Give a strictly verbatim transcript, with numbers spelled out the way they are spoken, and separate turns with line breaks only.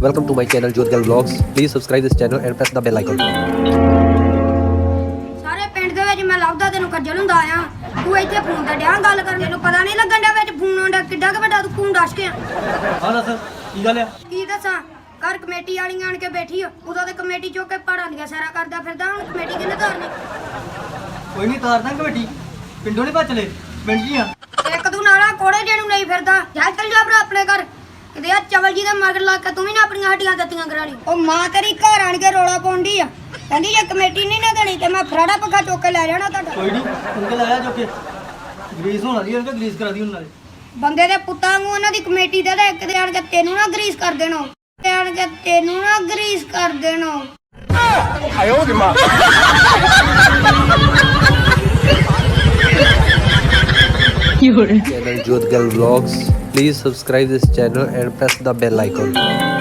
Welcome to my channel Jodhgal Vlogs. Please subscribe this channel and press the bell icon.
ਸਾਰੇ ਪਿੰਡ ਦੇ ਵਿੱਚ ਮੈਂ ਲੱਭਦਾ ਤੈਨੂੰ ਕੱਜਲ ਹੁੰਦਾ ਆ ਤੂੰ ਇੱਥੇ ਫੋਨ ਤੇ ਡਿਆ ਗੱਲ ਕਰਨ ਤੈਨੂੰ ਪਤਾ ਨਹੀਂ ਲੱਗਣ ਡਿਆ ਵਿੱਚ ਫੋਨ ਆਉਂਦਾ ਕਿੱਡਾ ਕੁ ਵੱਡਾ ਤੂੰ ਫੋਨ ਦੱਸ ਕੇ ਆ
ਹਾਂ ਦੱਸ ਕੀ ਗੱਲ ਆ?
ਕੀ ਦੱਸਾਂ ਘਰ ਕਮੇਟੀ ਵਾਲੀਆਂ ਆਣ ਕੇ ਬੈਠੀ ਆ ਉਦੋਂ ਤੇ ਕਮੇਟੀ ਚੁੱਕ ਕੇ ਪਹਾੜਾਂ ਦੀਆਂ ਸੈਰਾਂ ਕਰਦਾ ਫਿਰਦਾ ਹੁਣ ਕਮੇਟੀ ਕਿੰਨੇ ਧਾਰਨੀ
ਕੋਈ ਨਹੀਂ ਤਾਰ ਦਾਂਗੇ ਕਮੇਟੀ ਪਿੰਡੋਂ ਨਹੀਂ ਭੱਜ ਚਲੇ ਪਿੰਡ ਜੀ ਆ
ਇੱਕ ਤੂੰ ਨਾਲਾ ਕੋੜੇ ਜਿਹਨੂੰ ਨਹੀਂ ਫਿਰਦਾ ਜਾ ਚੱਲ ਜਾ ਭਰਾ ਆਪਣੇ ਘਰ ਕਿਤੇ ਆ ਚਵਲ ਜੀ ਦੇ ਮਗਰ ਲੱਗ ਕੇ ਤੂੰ ਵੀ ਨਾ ਆਪਣੀਆਂ ਹੱਡੀਆਂ ਦਿੱਤੀਆਂ ਕਰਾ ਲਈ ਉਹ ਮਾਂ ਤੇਰੀ ਘਰ ਆਣ ਕੇ ਰੋਲਾ ਪਾਉਂਦੀ ਆ ਕਹਿੰਦੀ ਜੇ ਕਮੇਟੀ ਨਹੀਂ ਨਾ ਦੇਣੀ ਤੇ ਮੈਂ ਫਰਾੜਾ ਪੱਖਾ ਚੁੱਕ ਕੇ ਲੈ ਜਾਣਾ ਤੁਹਾਡਾ
ਕੋਈ ਨਹੀਂ ਉਨਕੇ ਲਾਇਆ ਜੋ ਕਿ ਗਰੀਸ ਹੋਣਾ ਦੀ ਉਹਨਾਂ ਗਰੀਸ ਕਰਾ ਦੀ ਉਹਨਾਂ ਨੇ
ਬੰਦੇ ਦੇ ਪੁੱਤਾਂ ਨੂੰ ਉਹਨਾਂ ਦੀ ਕਮੇਟੀ ਦੇ ਦੇ ਇੱਕ ਦੇ ਆਣ ਕੇ ਤੈਨੂੰ ਨਾ ਗਰੀਸ ਕਰ ਦੇਣਾ ਤੇ ਆਣ ਕੇ ਤੈਨੂੰ ਨਾ ਗਰੀਸ ਕਰ ਦੇਣਾ
Channel Jodhgal Vlogs. Please subscribe this channel and press the bell icon.